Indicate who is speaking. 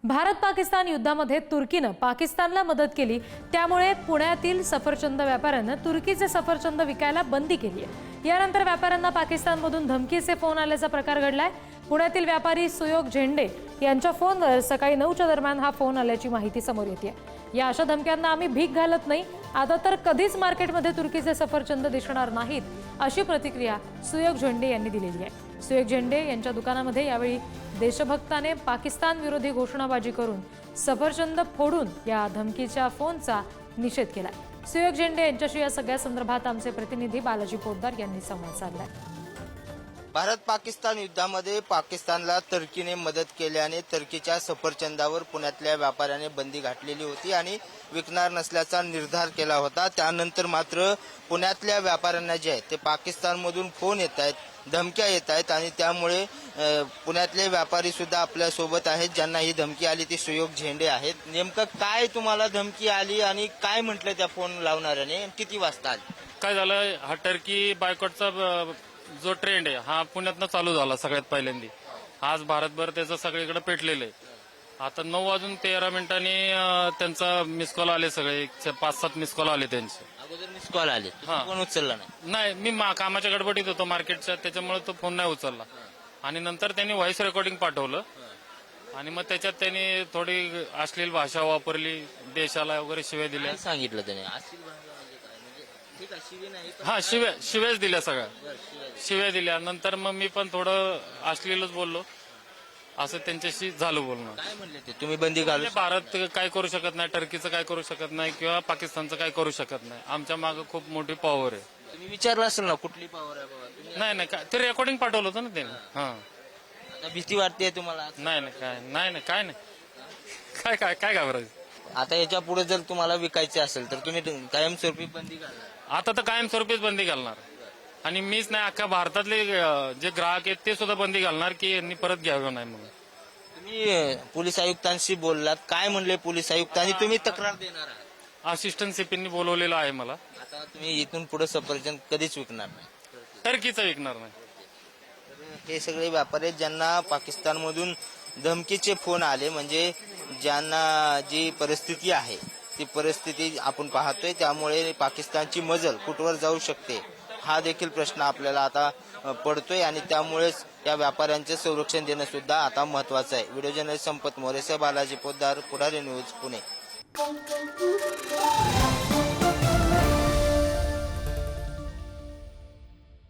Speaker 1: भारत पाकिस्तान युद्धामध्ये तुर्कीनं पाकिस्तानला मदत केली, त्यामुळे पुण्यातील सफरचंद व्यापाऱ्यांना तुर्कीचे सफरचंद विकायला बंदी केली आहे। यानंतर व्यापाऱ्यांना पाकिस्तानमधून धमकीचे फोन आल्याचा प्रकार घडलाय। पुण्यातील व्यापारी सुयोग झेंडे यांच्या फोनवर सकाळी 9च्या दरम्यान हा फोन आल्याची माहिती समोर येते। या अशा धमक्यांना आम्ही भीक घालत नाही, आता तर कधीच मार्केटमध्ये तुर्कीचे सफरचंद दिसणार नाहीत, अशी प्रतिक्रिया सुयोग झेंडे यांनी दिलेली आहे। सुयोग झेंडे यांच्या दुकानामध्ये यावेळी देशभक्ताने पाकिस्तान विरोधी घोषणाबाजी करून सफरचंद फोडून या धमकीच्या फोनचा निषेध केला। सुयोग झेंडे यांच्याशी या सगळ्या संदर्भात आमचे प्रतिनिधी बालाजी पोद्दार यांनी संवाद साधलाय।
Speaker 2: भारत पाकिस्तान युद्धामध्ये पाकिस्तानला तुर्कीने मदत केल्याने तुर्कीच्या सफरचंदावर पुण्यातल्या व्यापाऱ्याने बंदी घातलेली होती आणि विकणार नसल्याचा निर्धार केला होता। त्यानंतर मात्र पुण्यातल्या व्यापाऱ्यांना जे आहे ते पाकिस्तानमधून फोन येत आहेत, धमक्या येत आहेत आणि त्यामुळे पुण्यातले व्यापारी सुद्धा आपल्या सोबत आहेत। ज्यांना ही धमकी आली ती सुयोग झेंडे आहेत। नेमकं काय तुम्हाला धमकी आली आणि काय म्हटलं त्या फोन लावणाऱ्याने, किती वाजता आली?
Speaker 3: काय झालं, हा टर्की बायकॉटचा जो ट्रेंड आहे हा पुण्यातनं चालू झाला सगळ्यात पहिल्यांदा। आज भारतभर त्याचं सगळीकडे पेटलेलं आहे। आता 9:13 त्यांचा मिस कॉल आले, सगळे 5-7 मिस कॉल आले त्यांचे।
Speaker 2: अगोदर मिस कॉल आले, फोन उचलला नाही?
Speaker 3: नाही, मी कामाच्या गडबडीत होतो मार्केटच्या, त्याच्यामुळे तो फोन नाही उचलला। आणि नंतर त्यांनी व्हॉइस रेकॉर्डिंग पाठवलं आणि मग त्याच्यात त्यांनी थोडी अश्लील भाषा वापरली, देशाला वगैरे शिव्या दिल्या।
Speaker 2: काय सांगितलं त्याने?
Speaker 3: हा, शिव्याच दिल्या, सगळ्या शिव्या दिल्या। नंतर मग मी पण थोडं अश्लीलच बोललो, असं त्यांच्याशी झालं बोलणं।
Speaker 2: काय म्हणले ते? तुम्ही बंदी घालू?
Speaker 3: भारत काय करू शकत नाही, टर्कीचं काय करू शकत नाही किंवा पाकिस्तानचं काय करू शकत नाही, आमच्या मागे खूप मोठी पॉवर आहे।
Speaker 2: तुम्ही विचारलं असेल ना कुठली पॉवर आहे बाबा?
Speaker 3: नाही, ते रेकॉर्डिंग पाठवलं होतं ना त्याने। हा,
Speaker 2: आता भीती वाटते तुम्हाला?
Speaker 3: नाही, काय नाही, काय घाबरायचं।
Speaker 2: आता याच्या पुढे जर तुम्हाला विकायचे असेल तर तुम्ही कायमस्वरूपी बंदी घालणार?
Speaker 3: आता तर कायमस्वरूपीच बंदी घालणार आणि मीच नाही, अख्ख्या भारतातले जे ग्राहक आहेत ते सुद्धा बंदी घालणार की यांनी परत घ्यावं नाही म्हणून।
Speaker 2: तुम्ही पोलीस आयुक्तांशी बोललात, काय म्हणले पोलीस आयुक्त आणि तुम्ही तक्रार देणार आहात?
Speaker 3: असिस्टंट सीपींनी बोलवलेलं आहे मला।
Speaker 2: आता तुम्ही इथून पुढे सफरचंद कधीच विकणार नाही?
Speaker 3: टर्कीचं विकणार नाही।
Speaker 2: हे सगळे व्यापारी ज्यांना पाकिस्तानमधून धमकीचे फोन आले, म्हणजे ज्यांना जी परिस्थिती आहे ती परिस्थिती आपण पाहतोय, त्यामुळे पाकिस्तानची मजल कुठवर जाऊ शकते हा देखील प्रश्न आपल्याला आता पडतोय आणि त्यामुळेच या व्यापाऱ्यांचे संरक्षण देणं सुद्धा आता महत्वाचं आहे। व्हिडिओ जर्नलिस्ट संपत मोरेसह बालाजी पोद्दार, पुढारी न्यूज, पुणे।